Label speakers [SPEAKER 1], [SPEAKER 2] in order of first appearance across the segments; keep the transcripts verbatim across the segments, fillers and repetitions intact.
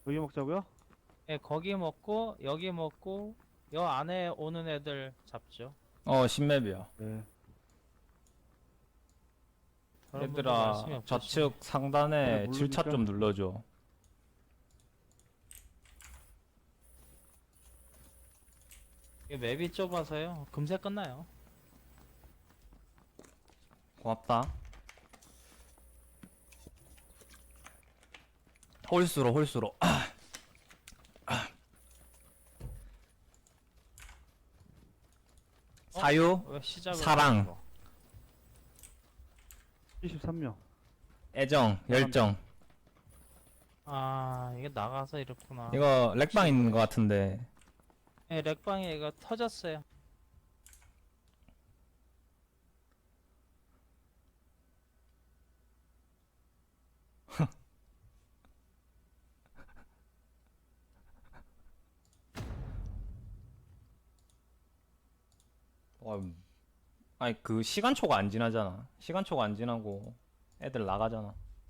[SPEAKER 1] 여기 먹자고요?
[SPEAKER 2] 예, 거기 먹고 여기 먹고 여 안에 오는 애들 잡죠.
[SPEAKER 3] 어, 신맵이야.
[SPEAKER 1] 네.
[SPEAKER 2] 다른 분들 말씀이
[SPEAKER 3] 얘들아,
[SPEAKER 2] 없으시네.
[SPEAKER 3] 좌측 상단에
[SPEAKER 1] 네,
[SPEAKER 3] 칠 차
[SPEAKER 1] 모르니까.
[SPEAKER 3] 좀 눌러줘.
[SPEAKER 2] 이게 맵이 좁아서요. 금세 끝나요.
[SPEAKER 3] 고맙다. 홀수로, 홀수로. 아, 사유,
[SPEAKER 2] 왜 시작을
[SPEAKER 3] 사랑.
[SPEAKER 2] 하는 거?
[SPEAKER 1] 칠십삼 명.
[SPEAKER 3] 애정, 열정.
[SPEAKER 2] 아, 이게 나가서 이렇구나.
[SPEAKER 3] 이거 렉방 있는 것 같은데.
[SPEAKER 2] 예, 렉방에 이거 터졌어요.
[SPEAKER 3] 와, 아니 그 시간초가 안 지나잖아. 시간초가 안 지나고 애들 나가잖아.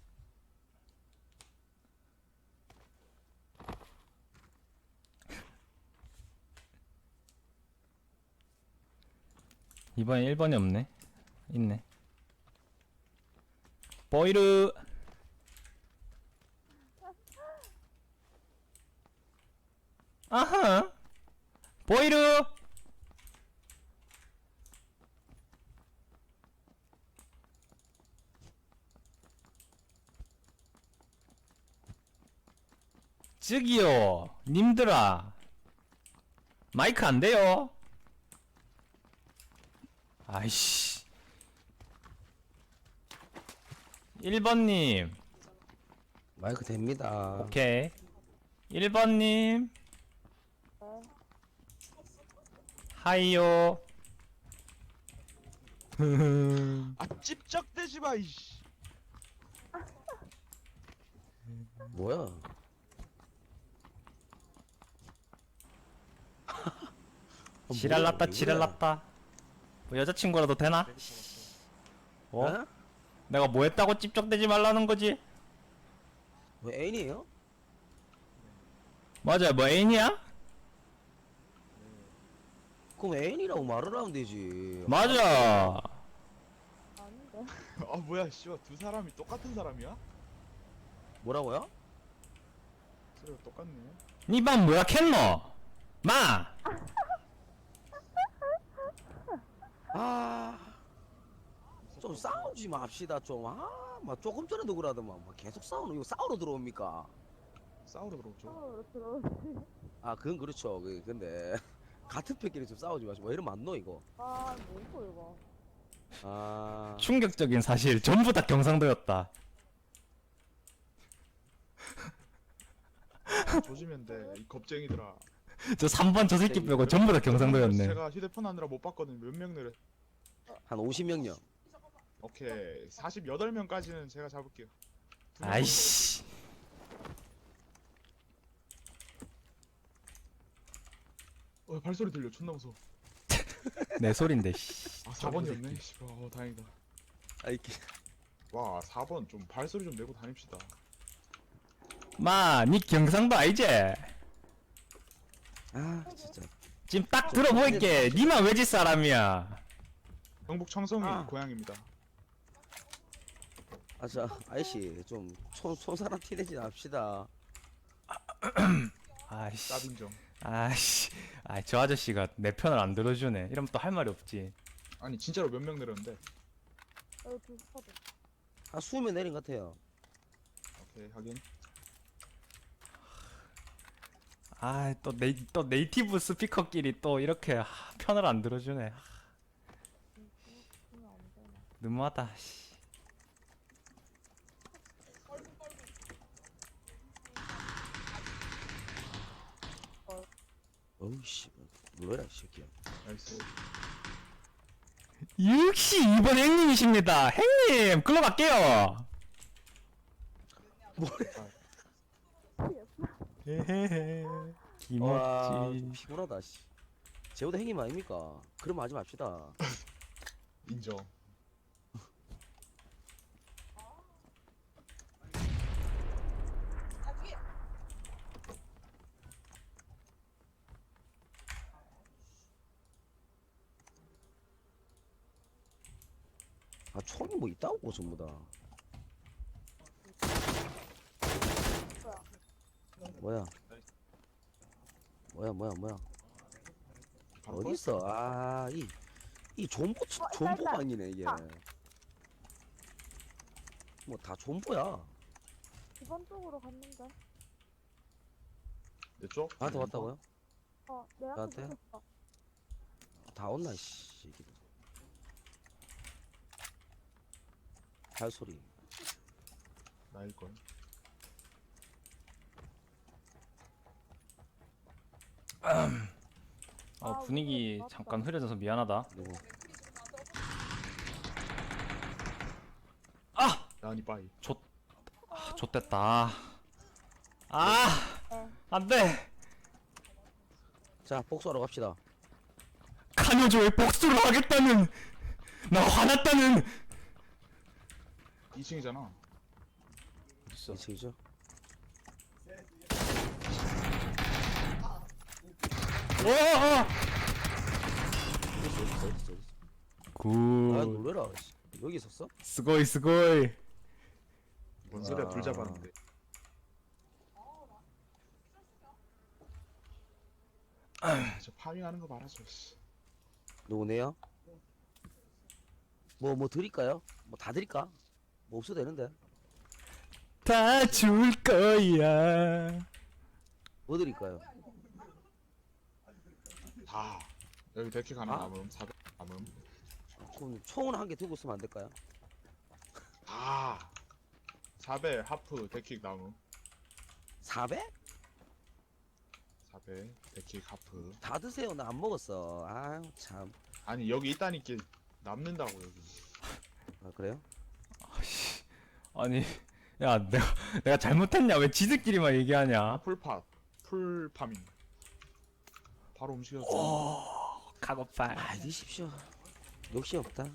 [SPEAKER 3] 이번에 일 번이 없네. 있네. 보이르. 아하. 보이르. 저기요, 님들아. 마이크 안 돼요? 아이씨. 일 번님.
[SPEAKER 4] 마이크 됩니다.
[SPEAKER 3] 오케이. 일 번님. 하이요.
[SPEAKER 5] 아 찝쩍대지 마 이씨.
[SPEAKER 4] 뭐야?
[SPEAKER 3] 지랄났다,
[SPEAKER 4] 뭐야,
[SPEAKER 3] 지랄났다. 뭐 여자친구라도 되나? 어?
[SPEAKER 4] 어?
[SPEAKER 3] 내가 뭐 했다고 찝쩍대지 말라는 거지?
[SPEAKER 4] 뭐 애인이에요?
[SPEAKER 3] 맞아, 뭐 애인이야?
[SPEAKER 4] 그럼 애인이라고 말을 하면 되지.
[SPEAKER 3] 맞아.
[SPEAKER 5] 아 뭐야 씨발 두 사람이 똑같은 사람이야?
[SPEAKER 4] 뭐라고요?
[SPEAKER 5] 소리가 똑같네.
[SPEAKER 3] 니반 뭐야 캔노? 마!
[SPEAKER 4] 아, 좀 싸우지 맙시다 좀. 아, 막 조금 전에도 그러더만 막 계속 싸우는 이거 싸우러 들어옵니까?
[SPEAKER 5] 싸우러 들어오죠.
[SPEAKER 4] 아, 그건 그렇죠. 그 근데 같은 편끼리 좀 싸우지 마시고 뭐 이러면 안 놓 이거.
[SPEAKER 6] 아, 뭐고 이거?
[SPEAKER 4] 아,
[SPEAKER 3] 충격적인 사실 전부 다 경상도였다.
[SPEAKER 5] 조지면 돼. 이 겁쟁이들아.
[SPEAKER 3] 저 삼 번 저 새끼 빼고 전부 다 경상도였네.
[SPEAKER 5] 제가 휴대폰 하느라 못 봤거든. 몇 명 내려.
[SPEAKER 4] 한 오십 명요.
[SPEAKER 5] 오케이. 사십팔 명까지는 제가 잡을게요. 두 명.
[SPEAKER 3] 아이씨.
[SPEAKER 5] 어 발소리 들려. 존나 무서워.
[SPEAKER 3] 내 소린데, 씨.
[SPEAKER 5] 아 사 번이었네. 씨발. 어 다행이다.
[SPEAKER 4] 아, 이렇게
[SPEAKER 5] 와 사 번 좀 발소리 좀 내고 다닙시다.
[SPEAKER 3] 마, 니 경상도 아이지?
[SPEAKER 4] 아, 진짜.
[SPEAKER 3] 지금 딱 들어보일게. 니만 외지 사람이야.
[SPEAKER 5] 경북 청송이
[SPEAKER 4] 아.
[SPEAKER 5] 고향입니다.
[SPEAKER 4] 아, 저 아이씨 좀손 손사람 티내지 맙시다.
[SPEAKER 3] 아이씨.
[SPEAKER 5] 짭인정.
[SPEAKER 3] 아이씨. 아, 저 아저씨가 내 편을 안 들어주네. 이러면 또 할 말이 없지.
[SPEAKER 5] 아니 진짜로 몇 명 내렸는데.
[SPEAKER 6] 여기 두 스쿼드.
[SPEAKER 4] 한 이십 명 내린 것 같아요.
[SPEAKER 5] 오케이 확인.
[SPEAKER 3] 아, 또 네이, 또 네이티브 스피커끼리 또 이렇게 하, 편을 안 들어주네. 하,
[SPEAKER 6] 그러면 안 되나?
[SPEAKER 3] 너무하다. 씨.
[SPEAKER 4] 어우 씨, 뭐야 이 새끼야.
[SPEAKER 5] 나이스.
[SPEAKER 3] 역시 이번 행님이십니다. 행님, 글로 갈게요.
[SPEAKER 4] 뭐래?
[SPEAKER 3] 헤헤헤.
[SPEAKER 4] 와,
[SPEAKER 3] 김없지.
[SPEAKER 4] 좀 피곤하다 씨. 제보다 행님 아닙니까? 그럼 하지 맙시다.
[SPEAKER 5] 인정.
[SPEAKER 4] 아 총이 뭐 있다고 전부 다. 뭐야? 뭐야 뭐야 뭐야?
[SPEAKER 5] 바로
[SPEAKER 4] 어디 있어? 아, 이, 이 존보,
[SPEAKER 6] 어, 있다,
[SPEAKER 4] 존보방이네, 이게.
[SPEAKER 6] 있다.
[SPEAKER 4] 뭐, 다 존보야.
[SPEAKER 6] 이번 쪽으로 갔는데.
[SPEAKER 5] 내 쪽?
[SPEAKER 4] 나한테 왔다고요?
[SPEAKER 6] 어, 내 앞에
[SPEAKER 4] 나한테?
[SPEAKER 6] 붙었어.
[SPEAKER 4] 다 온나, 씨. 이게. 발소리.
[SPEAKER 5] 나일걸.
[SPEAKER 3] 어
[SPEAKER 6] 아,
[SPEAKER 3] 분위기
[SPEAKER 6] 맞다.
[SPEAKER 3] 잠깐 흐려져서 미안하다.
[SPEAKER 4] 누구?
[SPEAKER 3] 아!
[SPEAKER 5] 나니 빠이.
[SPEAKER 3] 아 좆됐다. 아
[SPEAKER 6] 네.
[SPEAKER 3] 안돼.
[SPEAKER 4] 자, 복수하러 갑시다.
[SPEAKER 3] 카녀조의 복수를 하겠다는 나 화났다는.
[SPEAKER 5] 이 층이잖아.
[SPEAKER 3] 있어.
[SPEAKER 4] 이 층이죠?
[SPEAKER 3] 오! 어!
[SPEAKER 4] 어디 있어, 어디 있어, 어디 있어, 어디 있어.
[SPEAKER 3] 굿.
[SPEAKER 4] 아, 놀래라. 씨. 여기 있었어?
[SPEAKER 3] 스고이 스고이.
[SPEAKER 5] 뭔 소리야?
[SPEAKER 4] 아.
[SPEAKER 5] 둘 잡았는데. 아, 저 파밍하는 거 봐라, 저 씨.
[SPEAKER 4] 누구네요? 뭐, 뭐 드릴까요? 뭐 다 드릴까? 뭐 없어도 되는데.
[SPEAKER 3] 다 줄 거야.
[SPEAKER 4] 뭐 드릴까요?
[SPEAKER 5] 다. 여기 데킥 하나
[SPEAKER 4] 아?
[SPEAKER 5] 남음. 사백 남음.
[SPEAKER 4] 그럼 총은 한 개 두고 쓰면 안 될까요?
[SPEAKER 5] 다. 사배 하프 데킥 남음.
[SPEAKER 4] 사백?
[SPEAKER 5] 사배 데킥 하프.
[SPEAKER 4] 다 드세요. 나 안 먹었어. 아유, 참.
[SPEAKER 5] 아니 여기 있다니까 남는다고 여기.
[SPEAKER 4] 아, 그래요?
[SPEAKER 3] 아니 야 내가 내가 잘못했냐? 왜 지들끼리만 얘기하냐?
[SPEAKER 5] 아 풀팟. 풀 파밍. 바로 움직였어.
[SPEAKER 3] 오 카고팔.
[SPEAKER 4] 아, 드십시오. 욕심 없다.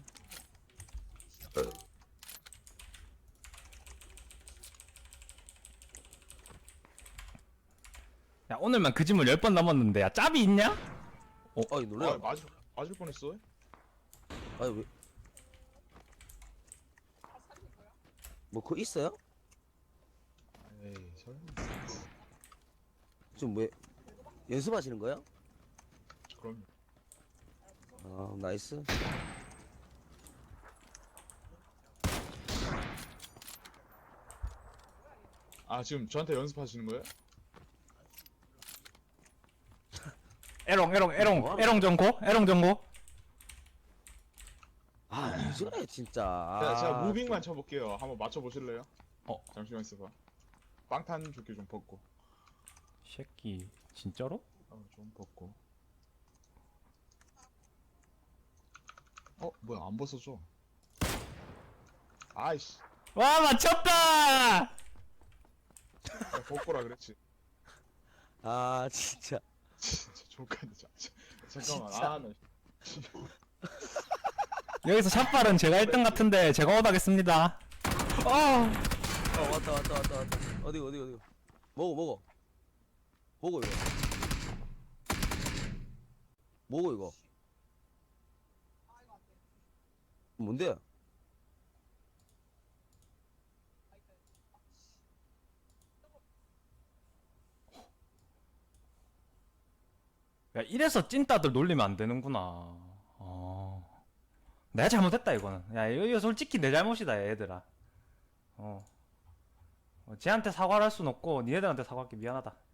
[SPEAKER 3] 야 오늘만 그 짐을 열 번 넘었는데 야 짭이 있냐?
[SPEAKER 4] 어이, 놀래.
[SPEAKER 5] 아, 맞을 맞을 뻔했어.
[SPEAKER 4] 아니, 왜. 뭐, 그거 있어요?
[SPEAKER 5] 에이 설마.
[SPEAKER 4] 지금 왜. 연습하시는 거예요?
[SPEAKER 5] 그럼
[SPEAKER 4] 아, 나이스.
[SPEAKER 5] 아 지금 저한테 연습하시는 거예요?
[SPEAKER 3] 에롱 에롱 에롱
[SPEAKER 4] 뭐하는
[SPEAKER 3] 에롱 정고 에롱 정고.
[SPEAKER 4] 아, 왜 저래, 진짜.
[SPEAKER 5] 제가, 제가
[SPEAKER 4] 아,
[SPEAKER 5] 무빙만 쳐볼게요. 한번 맞춰보실래요?
[SPEAKER 3] 어.
[SPEAKER 5] 잠시만 있어봐. 빵탄 조끼 좀 벗고.
[SPEAKER 3] 새끼 진짜로?
[SPEAKER 5] 어, 좀 벗고. 어, 뭐야, 안 벗어져. 아이씨.
[SPEAKER 3] 와 맞췄다.
[SPEAKER 5] 야, 벗고라 그랬지.
[SPEAKER 4] 아, 진짜.
[SPEAKER 5] 진짜 족간다, 진짜. 잠깐만,
[SPEAKER 4] 진짜.
[SPEAKER 5] 아, 나.
[SPEAKER 3] 여기서 샷발은 제가 일 등 같은데 제가 얻하겠습니다. 어.
[SPEAKER 4] 어, 왔다, 왔다, 왔다, 왔다. 어디, 어디, 어디. 먹어, 먹어. 먹어, 이거. 먹어, 이거. 뭔데?
[SPEAKER 3] 야 이래서 찐따들 놀리면 안 되는구나. 어. 내가 잘못했다 이거는. 야 이거, 이거 솔직히 내 잘못이다 얘들아. 어. 어 쟤한테 사과를 할 순 없고 니네들한테 사과할게. 미안하다.